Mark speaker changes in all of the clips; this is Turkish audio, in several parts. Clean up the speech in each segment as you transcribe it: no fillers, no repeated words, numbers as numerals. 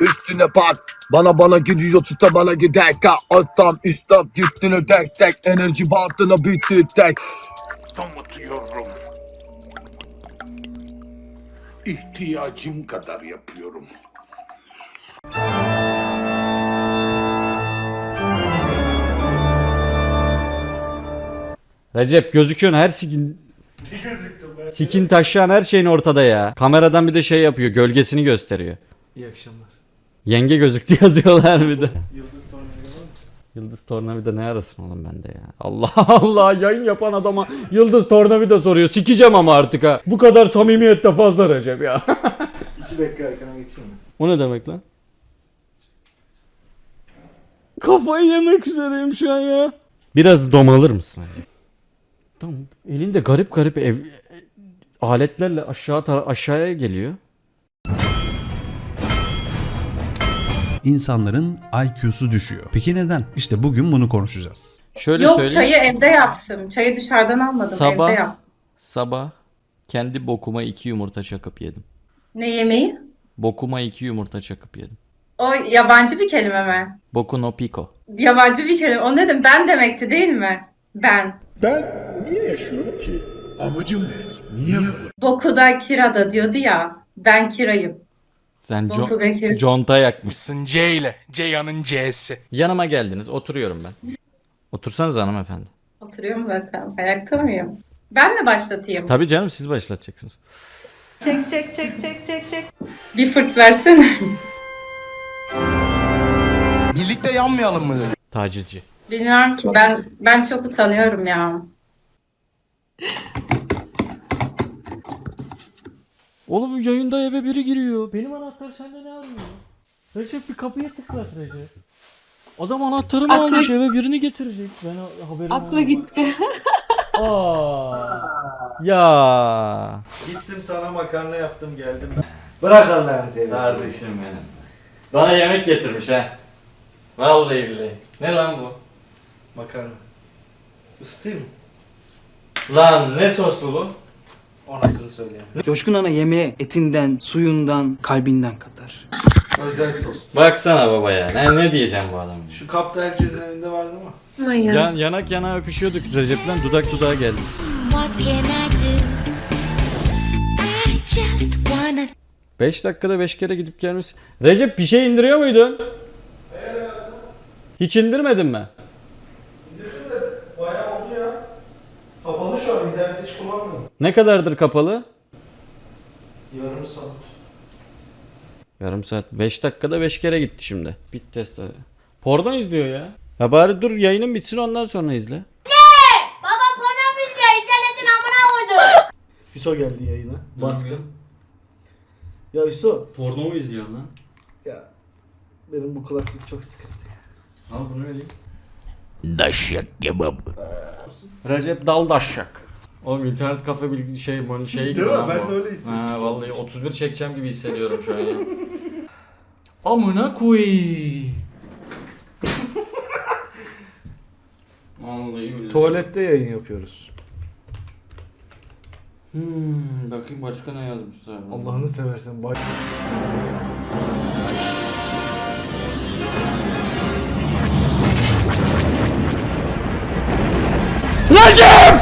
Speaker 1: üstüne pat. Bana gidiyor tuta bana gider ka. Alttan üstten üstüne tek tek. Enerji bandına bitti tek.
Speaker 2: Damıtıyorum. İhtiyacım kadar yapıyorum.
Speaker 3: Recep gözüküyorsun her sikin taşıyan her şeyin ortada ya. Kameradan bir de şey yapıyor, gölgesini gösteriyor.
Speaker 4: İyi akşamlar.
Speaker 3: Yenge gözüktü yazıyorlar bir de.
Speaker 4: Yıldız tornavida var mı?
Speaker 3: Yıldız tornavida ne arasın oğlum bende ya. Allah Allah, yayın yapan adama yıldız tornavida soruyor. Sikeceğim ama artık ha. Bu kadar samimiyette fazla Recep ya.
Speaker 4: 2 dakika arkana geçeyim mi?
Speaker 3: O ne demek lan? Kafayı yemek üzereyim şu an ya. Biraz domalır mısın? Tamam. Elinde garip garip aletlerle aşağıya geliyor.
Speaker 5: İnsanların IQ'su düşüyor. Peki neden? İşte bugün bunu konuşacağız.
Speaker 3: Şöyle
Speaker 6: Yok,
Speaker 3: söyleyeyim.
Speaker 6: çayı evde yaptım. Çayı dışarıdan almadım, evde yaptım.
Speaker 3: Sabah kendi bokuma 2 yumurta çakıp yedim.
Speaker 6: Ne yemeği?
Speaker 3: Bokuma 2 yumurta çakıp yedim.
Speaker 6: O yabancı bir kelime mi?
Speaker 3: Boku no pico.
Speaker 6: Yabancı bir kelime. O ne demek? Ben demekti değil mi? Ben.
Speaker 2: Ben niye yaşıyorum ki? Amacım ne? Niye
Speaker 6: Bokuda kirada diyordu ya. Ben kirayım.
Speaker 3: Sen
Speaker 6: Bokuda kira.
Speaker 3: conta yakmışsın.
Speaker 7: C ile. Ceyhan'ın C'si.
Speaker 3: Yanıma geldiniz. Oturuyorum ben. Otursanız hanımefendi.
Speaker 6: Oturuyorum zaten. Ayakta mıyım? Ben mi başlatayım?
Speaker 3: Tabii canım, siz başlatacaksınız.
Speaker 8: Çek.
Speaker 6: Bir fırt versene.
Speaker 7: Birlikte yanmayalım mı dedi.
Speaker 3: Tacizci.
Speaker 6: Bilmiyorum ki, ben çok utanıyorum ya.
Speaker 3: Oğlum yayında eve biri giriyor. Benim anahtar sende ne arıyor? Recep bir kapıya tıklat Recep. Adam anahtarımı almış, eve birini getirecek. Ben haberim
Speaker 8: Aklı gitti.
Speaker 3: Aa. Ya.
Speaker 4: Gittim sana makarna yaptım geldim ben. Bırak Allah'ını seversen.
Speaker 3: Kardeşim benim. Bana yemek getirmiş ha. Vallahi billahi. Ne lan bu?
Speaker 4: Makarna. Isıtayım mı?
Speaker 3: Lan ne soslu bu?
Speaker 4: Onasını söyleyeyim.
Speaker 9: Coşkun Ana yemeğe etinden, suyundan, kalbinden katar.
Speaker 4: Özel sos.
Speaker 3: Baksana baba ya. Ne diyeceğim bu adama?
Speaker 4: Şu kapta herkesin evinde vardı mı?
Speaker 3: Yanak yana öpüşüyorduk Recep'le, dudak dudağa geldik.
Speaker 8: What can I do? I just wanna
Speaker 3: 5 dakikada 5 kere gidip gelmiş. Recep bir şey indiriyor muydun? Hiç indirmedin mi?
Speaker 4: Bayağı oldu ya. Kapalı şu an, interneti hiç kullanmıyorum.
Speaker 3: Ne kadardır kapalı?
Speaker 4: Yarım saat.
Speaker 3: Yarım saat. 5 dakikada 5 kere gitti şimdi. Bit test. Porno izliyor ya. Ya bari dur yayının bitsin, ondan sonra izle.
Speaker 8: Baba porno izliyor, internetin amına koydu.
Speaker 4: Hüso geldi yayına. Baskın. Ya Hüso.
Speaker 3: Porno mu izliyor lan?
Speaker 4: Ya benim bu kulaklık çok sıkıntı.
Speaker 3: Al bunu vereyim.
Speaker 2: Daşyak kebabı.
Speaker 3: Recep Daldaşyak. Oğlum internet kafe bir şey gibi
Speaker 4: Değil mi?
Speaker 3: lan
Speaker 4: Ben
Speaker 3: bu.
Speaker 4: de öyle hissediyorum.
Speaker 3: Ha vallahi 31 çekeceğim gibi hissediyorum şu an ya. Amına koy. Vallahi billahi.
Speaker 4: Tuvalette yayın yapıyoruz.
Speaker 3: Bakayım başka ne yazmışlar.
Speaker 4: Allah'ını seversen bak.
Speaker 3: Recep!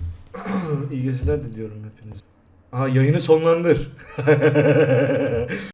Speaker 4: İyi geceler diliyorum hepinize. Aha, yayını sonlandır.